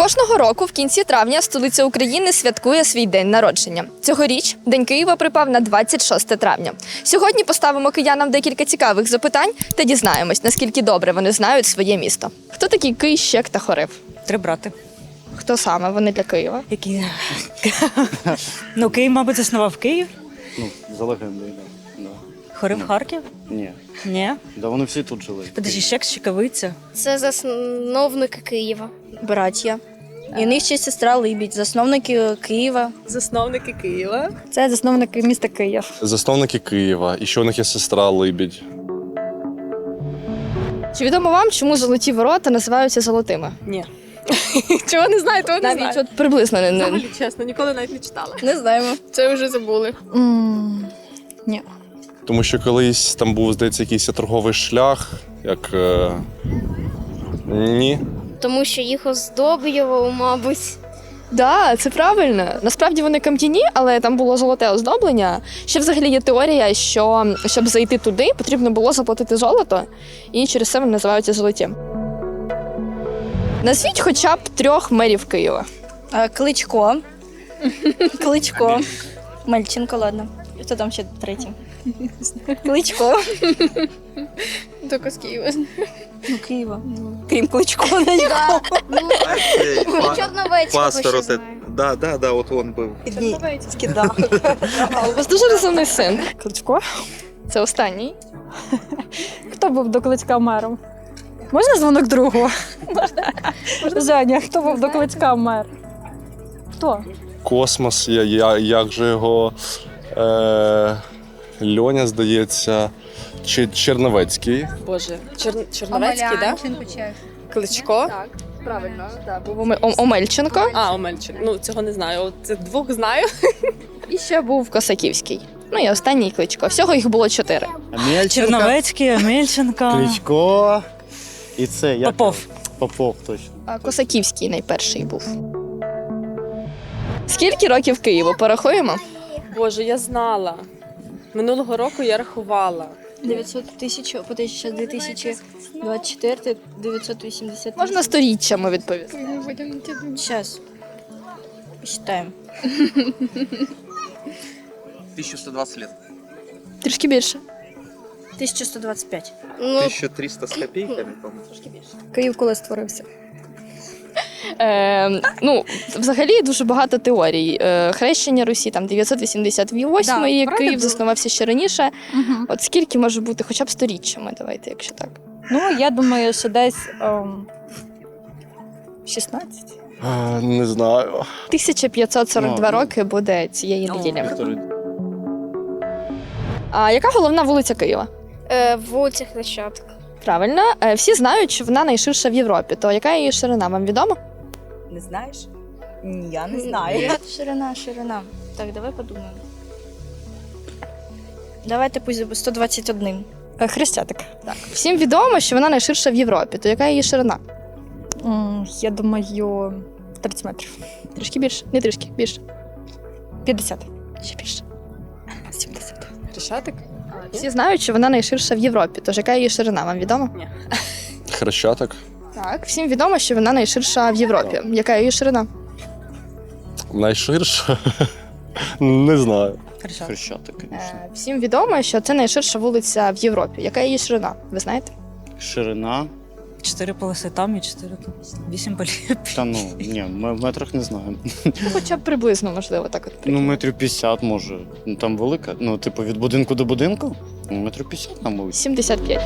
Кожного року в кінці травня столиця України святкує свій день народження. Цьогоріч День Києва припав на 26 травня. Сьогодні поставимо киянам декілька цікавих запитань та дізнаємось, наскільки добре вони знають своє місто. Хто такі Кий, Щек та Хорив? Три брати. Хто саме вони для Києва? Які? Ну, Київ, мабуть, заснував Київ. Ну, за легендою, да. Хорив Харків? Ні. Ні. Да вони всі тут жили. Подожди, Щек, Щекавиця. Це засновники Києва. Браття. І в них ще сестра Либідь, засновники Києва. Засновники Києва. Це засновники міста Київ. Засновники Києва. І ще у них є сестра Либідь. Чи відомо вам, чому золоті ворота називаються золотими? Ні. Чого не знаю, того не Навіть знаю. от приблизно не. Взагалі, чесно, ніколи навіть не читала. Не знаємо. Це вже забули. Ні. Тому що колись там був, здається, якийсь торговий шлях, як. Ні. Тому що їх оздоблювало, мабуть. Да, це правильно. Насправді вони кам'яні, але там було золоте оздоблення. Ще взагалі є теорія, що щоб зайти туди, потрібно було заплатити золото, і через це вони називаються золоті. Назвіть хоча б 3 мерів Києва. Кличко. Кличко. Мельченко, ладно. Хто там ще третій? Кличко. Тільки з Києва. Ну, Києва. Крім Кличко на нього. Чорновецького ще знаю. Да, от він був. Скидав. У вас дуже розумний син. Кличко? Це останній. Хто був до Кличка мером? Можна дзвонок другу? Можна. Женя, хто був до Кличка мер? Хто? Космос, як же його. Льоня, здається, чи Черновецький. Боже, Чорновецький, да? Кличко? Так, правильно. Да, був Омельченко. Омельчик. Ну, цього не знаю. От це 2 знаю. І ще був Косаківський. Ну і останній Кличко. Всього їх було 4. Черновецький, Мельченко. Кличко. І це як? Попов. Попов, точно. А Косаківський найперший був. Скільки років Києву? Порахуємо? Боже, я знала. Минулого року я рахувала. 900 тисяч, по 2024, 980 Можна сторіччями відповісти. Зараз. Посчитаємо. 1120 лет. Трішки більше. 1125. Ну, 1300 с копейками, по-моему. Київ коли створився? Взагалі дуже багато теорій. Хрещення Русі там 988, Да, і правда Київ було? заснувався ще раніше. Угу. От скільки може бути, хоча б сторіччями, давайте, якщо так. Ну, я думаю, що десь 16. Не знаю. 1542 Ну, роки буде цієї неділі. А яка головна вулиця Києва? вулиця Хрещатик. Правильно. Всі знають, що вона найширша в Європі. То яка її ширина, вам відомо? Не знаєш? Ні, я не знаю. Ширина. Так, давай подумаємо. Давайте пусть 121. Хрещатик. Так. Всім відомо, що вона найширша в Європі. То яка її ширина? Я думаю, 30 метрів. Трішки більше? Не трішки, більше. 50. Ще більше. 70. Хрещатик? Всі знають, що вона найширша в Європі. Тож яка її ширина, вам відомо? Хрещатик. Так. Всім відомо, що вона найширша в Європі. Яка її ширина? Найширша? Не знаю. Хрещатик, звісно. Всім відомо, що це найширша вулиця в Європі. Яка її ширина? Ви знаєте? Ширина. 4 полоси там і 4 тут. 8 полів. Та ну, ні, ми в метрах не знаємо. Ну, хоча б приблизно, можливо, так от. Ну, метрів 50 може. Ну, там велика. Ну, типу, від будинку до будинку? Ну, метрів 50 там вулиця. 75.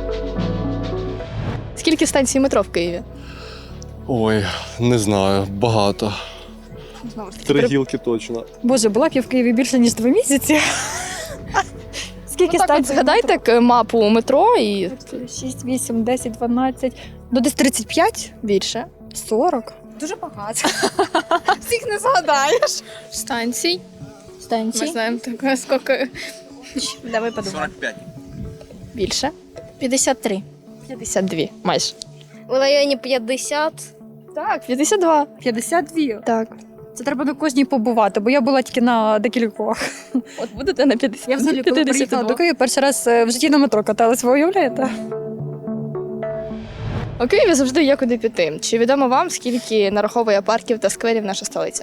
Скільки станцій метро в Києві? Ой, не знаю, багато. Знову ж таки, 3 гілки точно. Боже, була б я в Києві більше, ніж 2 місяці. Скільки так от станцій? згадайте мапу метро і 6, 8, 10, 12. Ну, десь 35? більше. 40. Дуже багато. Всіх не згадаєш. Станцій. Ми Станції. знаємо таке, скільки. Давай подумаємо. 45. Більше. 53. 52, майже. В районі 50. Так, 52. 52. Так. Це треба на кожній побувати, бо я була тільки на декількох. От будете на 50. Я взагалі, коли приїхала до Києва, перший раз в житті на метро каталась, ви уявляєте? У Києві завжди є куди піти. Чи відомо вам, скільки нараховує парків та скверів наша столиця?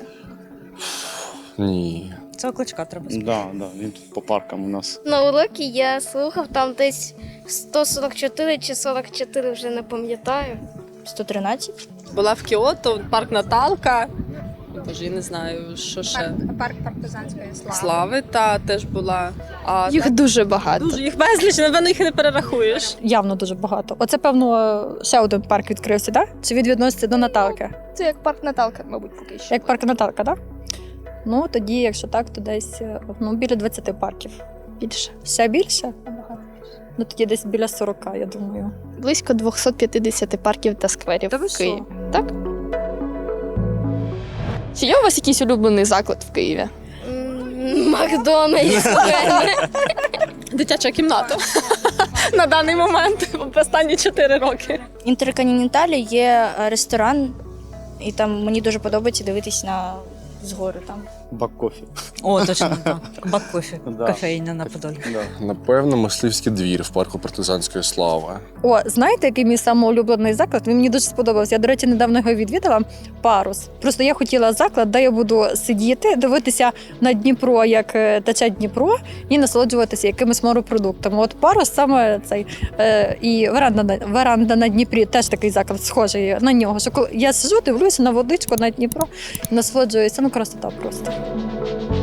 Ні. Цього кличка треба спитати. Да, він тут по паркам у нас. На уроці я слухав, там десь 144 чи 44, вже не пам'ятаю. 113. Була в Кіото, парк Наталка. Боже, я не знаю, що ще. Парк партизанської Слави та теж була. А Їх дуже багато. дуже їх безліч, напевно, їх не перерахуєш. Явно дуже багато. Оце, певно, ще один парк відкрився, так? Чи він відноситься до Наталки? Це як парк Наталка, мабуть, поки що. Як парк Наталка, так? Ну, тоді, якщо так, то десь біля 20 парків. Більше. Ще більше? Ну, тоді десь біля 40, я думаю. Близько 250 парків та скверів Та ви в Києві. що? Так? Чи є у вас якийсь улюблений заклад в Києві? Макдональдс. Дитяча кімната. На даний момент, в останні 4 роки. Інтерконтиненталі є ресторан, і там мені дуже подобається дивитись на згори там. Бак кофі. О, точно, так. Бак кофі. Да. Кофейня на Подолі. Да. Напевно, мисливський двір в парку партизанської слави. О, знаєте, який мій самоулюблений заклад? Він мені дуже сподобався. Я, до речі, недавно його відвідала. Парус. Просто я хотіла заклад, де я буду сидіти, дивитися на Дніпро, як тече Дніпро, і насолоджуватися якимись морепродуктами. От парус саме цей і веранда на Дніпрі теж такий заклад, схожий на нього. Що коли я сиджу, дивлюся на водичку на Дніпро, насолоджуюся. Ну, красота просто.